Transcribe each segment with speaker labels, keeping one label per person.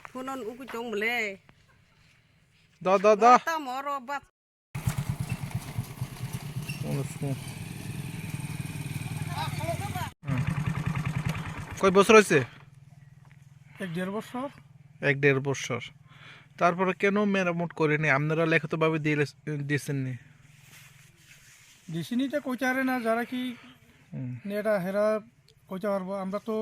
Speaker 1: Punon uku chong bele.
Speaker 2: Da.
Speaker 1: Ta moro bat.
Speaker 2: কয় বছর হয়েছে?
Speaker 3: 1-1.5 বছর।
Speaker 2: 1-1.5 বছর। তারপরে কেন মেরামত করেনি? আপনারা লিখিতভাবে দিয়েছেন নি?
Speaker 3: ডিসিনিটা কইতে পারে না, যারা কি এটা হেরা কইতে পারবো। আমরা তো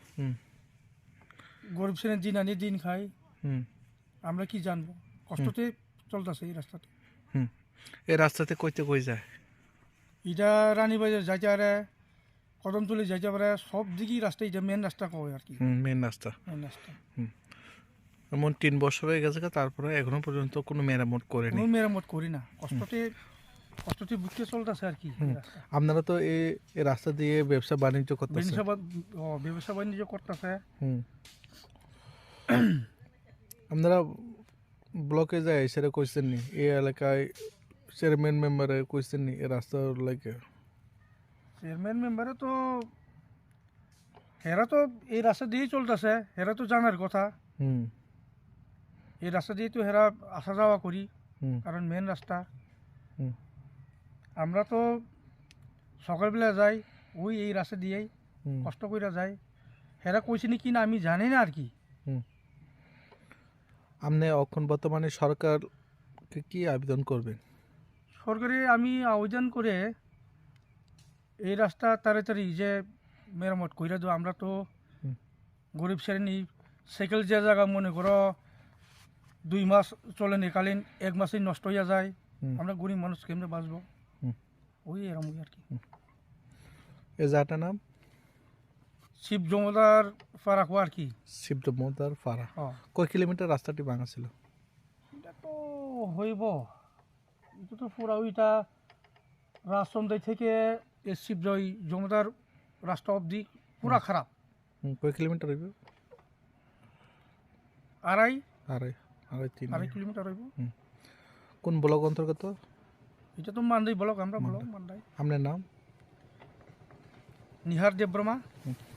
Speaker 3: গরিব শ্রেণীর দিন আনি দিন খাই, আমরা কি জানবো। কষ্টতে চলতেছে এই রাস্তাতে।
Speaker 2: এই রাস্তাতে কইতে কই যায়?
Speaker 3: এটা রানীবাজার যাইতে পারে, কদমতলি যাইতে পারে, সব দিকেই রাস্তা, এটা মেন রাস্তা কয় আর কি।
Speaker 2: মেন রাস্তা।
Speaker 3: মেন রাস্তা
Speaker 2: এমন 3 বছর হয়ে গেছে, তারপরে এখনো পর্যন্ত কোনো মেরামত করেনি।
Speaker 3: কোনো মেরামত করি না, কষ্টতে বুঝতে চলতেছে আর কি।
Speaker 2: আপনারা তো এই রাস্তা দিয়ে ব্যবসা বাণিজ্য করতেছেন।
Speaker 3: ব্যবসা বাণিজ্য করতেছে।
Speaker 2: আপনারা ব্লকে যায় সেটা কইছেন নি? এই এলাকায় চেয়ারম্যান মেম্বারে কইছেন নি এই রাস্তার লাগে?
Speaker 3: চেয়ারম্যান মেম্বারে তো হেরা তো এই রাস্তা দিয়েই চলতেছে, হেরা তো জানার কথা। এই রাস্তা দিয়ে তো হেরা আসা যাওয়া করি, কারণ মেন রাস্তা। আমরা তো সকালবেলা যাই, ওই এই রাস্তা দিয়েই কষ্ট করে যাই। হেরা কইছে কি না আমি জানি না আর কি।
Speaker 2: আপনি এখন বর্তমানে সরকারকে কি আবেদন করবেন?
Speaker 3: সরকারে আমি আবেদন করে এই রাস্তা তাড়াতাড়ি যে মেরামত কইরা দেবো। আমরা তো গরিব শ্রেণী, সাইকেল যে জায়গা মনে করো 2 মাস চলে নিকালীন, 1 মাসেই নষ্ট হইয়া যায়। আমরা গরিব মানুষ কেমনে বাঁচবো, ওই এরম আর কি।
Speaker 2: এই জায়গাটার নাম
Speaker 3: শিব জমদার পাড়া আর কি।
Speaker 2: শিব জমদার পাড়া। কয় কিলোমিটার রাস্তাটি ভাঙা ছিল?
Speaker 3: এটা তো হইব, এটা তো পুরা ওইটা রাজচন্দ্র থেকে শিব জমদার রাস্তা অবধি পুরা খারাপ।
Speaker 2: কয় কিলোমিটার হইব?
Speaker 3: আড়াই
Speaker 2: 3
Speaker 3: কিলোমিটার হইব।
Speaker 2: কোন ব্লক অন্তর্গত?
Speaker 3: এটা তো মান্দাই ব্লক, আমরা ব্লক মান্দাই।
Speaker 2: আপনার নাম?
Speaker 3: নিহার দেববর্মা।